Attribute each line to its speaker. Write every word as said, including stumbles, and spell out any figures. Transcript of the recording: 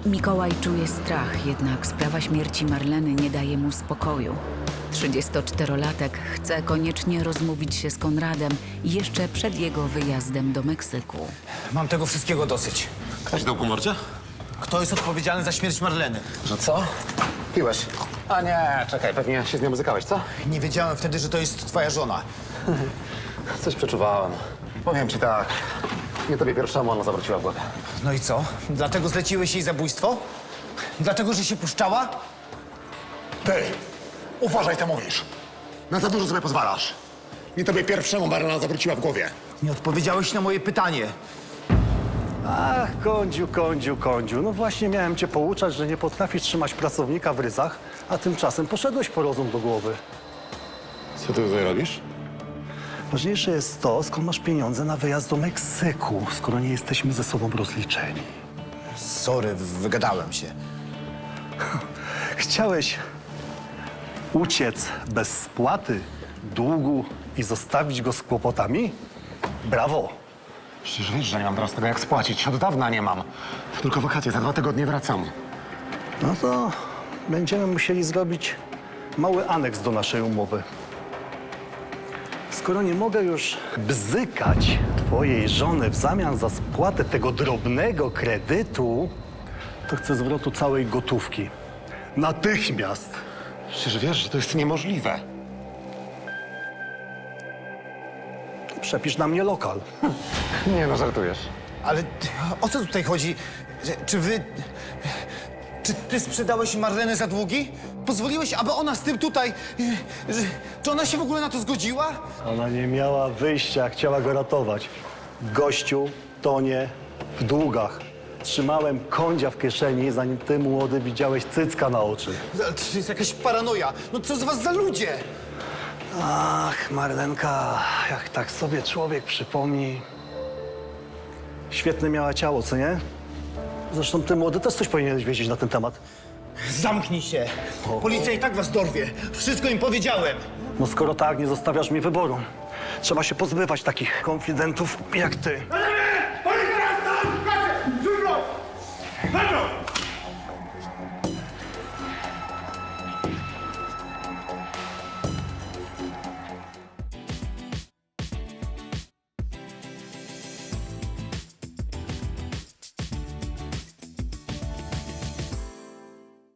Speaker 1: Mikołaj czuje strach, jednak sprawa śmierci Marleny nie daje mu spokoju. trzydziestoczterolatek chce koniecznie rozmówić się z Konradem jeszcze przed jego wyjazdem do Meksyku.
Speaker 2: Mam tego wszystkiego dosyć.
Speaker 3: Ktoś dał po mordzie?
Speaker 2: Kto jest odpowiedzialny za śmierć Marleny?
Speaker 3: Że co? Piłeś? A nie, czekaj, pewnie się z nią muzykałeś, co?
Speaker 2: Nie wiedziałem wtedy, że to jest twoja żona.
Speaker 3: Coś przeczuwałem. Powiem ci tak, nie tobie pierwszemu ona zawróciła w głowę.
Speaker 2: No i co? Dlatego zleciłeś jej zabójstwo? Dlatego, że się puszczała?
Speaker 4: Ty, uważaj, co mówisz. Na za dużo sobie pozwalasz. Nie tobie pierwszemu Marlena zawróciła w głowie.
Speaker 2: Nie odpowiedziałeś na moje pytanie.
Speaker 5: Ach, kądziu, kądziu, kądziu. No właśnie miałem cię pouczać, że nie potrafisz trzymać pracownika w ryzach, a tymczasem poszedłeś po rozum do głowy.
Speaker 4: Co ty tutaj robisz?
Speaker 5: Ważniejsze jest to, skąd masz pieniądze na wyjazd do Meksyku, skoro nie jesteśmy ze sobą rozliczeni.
Speaker 2: Sorry, wygadałem się.
Speaker 5: Chciałeś uciec bez spłaty długu i zostawić go z kłopotami? Brawo!
Speaker 4: Przecież wiesz, że nie mam teraz tego jak spłacić. Od dawna nie mam. Tylko wakacje, za dwa tygodnie wracam.
Speaker 5: No to będziemy musieli zrobić mały aneks do naszej umowy. Skoro nie mogę już bzykać twojej żony w zamian za spłatę tego drobnego kredytu, to chcę zwrotu całej gotówki. Natychmiast!
Speaker 4: Przecież wiesz, że to jest niemożliwe.
Speaker 5: Przepisz na mnie lokal.
Speaker 4: Nie no, żartujesz.
Speaker 2: Ale o co tutaj chodzi? Że- Czy wy... Czy ty sprzedałeś Marlenę za długi? Pozwoliłeś, aby ona z tym tutaj... y, Że, czy ona się w ogóle na to zgodziła?
Speaker 5: Ona nie miała wyjścia, chciała go ratować. Gościu tonie w długach. Trzymałem kądzia w kieszeni, zanim ty, młody, widziałeś cycka na oczy.
Speaker 2: Ale To jest jakaś paranoja. No co z was za ludzie?
Speaker 5: Ach, Marlenka, jak tak sobie człowiek przypomni. Świetne miała ciało, co nie? Zresztą ty, młody, też coś powinieneś wiedzieć na ten temat.
Speaker 2: Zamknij się. Policja i tak was dorwie. Wszystko im powiedziałem.
Speaker 5: No skoro tak, nie zostawiasz mi wyboru. Trzeba się pozbywać takich konfidentów jak ty.
Speaker 6: Policja! Stop! Kasę! Szybko! Za mną!